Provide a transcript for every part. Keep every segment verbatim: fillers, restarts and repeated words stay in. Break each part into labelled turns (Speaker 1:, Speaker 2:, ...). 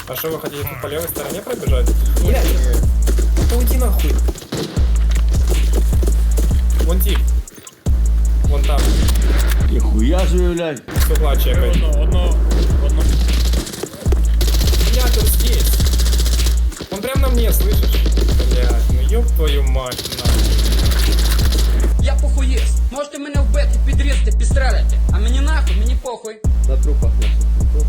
Speaker 1: А что, вы хотите по левой стороне пробежать? Блядь, уйди нахуй. Вон тип. Вон там.
Speaker 2: Ніхуя собі, блядь.
Speaker 1: С угла чекай.
Speaker 3: Одно, одно, одно.
Speaker 1: Блядь, он здесь. Он прям на мне, слышишь? Блядь, ну ёб твою мать, нахуй.
Speaker 4: Я похуєст. Можете мене вбити, підрізати, підстрелити. А мені нахуй, мені похуй.
Speaker 5: На трупах наших.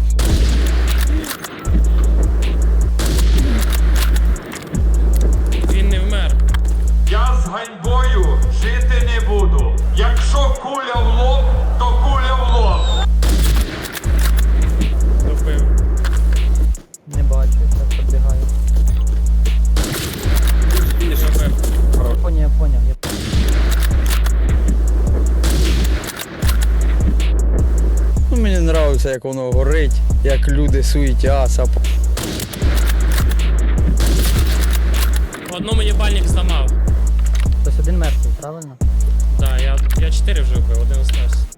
Speaker 3: Він не вмер.
Speaker 6: Я з ганьбою жити не буду. Якщо куля в лоб, то куля в лоб.
Speaker 3: Добив.
Speaker 7: Не бачу, як підбігаю.
Speaker 3: Добив.
Speaker 7: Поняв, я поняв, я поняв.
Speaker 8: Ну, мені подобається, як воно горить, як люди суетяться.
Speaker 3: Одному їбальник зламав.
Speaker 7: Хтось один мертвий, правильно?
Speaker 3: Да, я, я чотири вже вбив, один остався.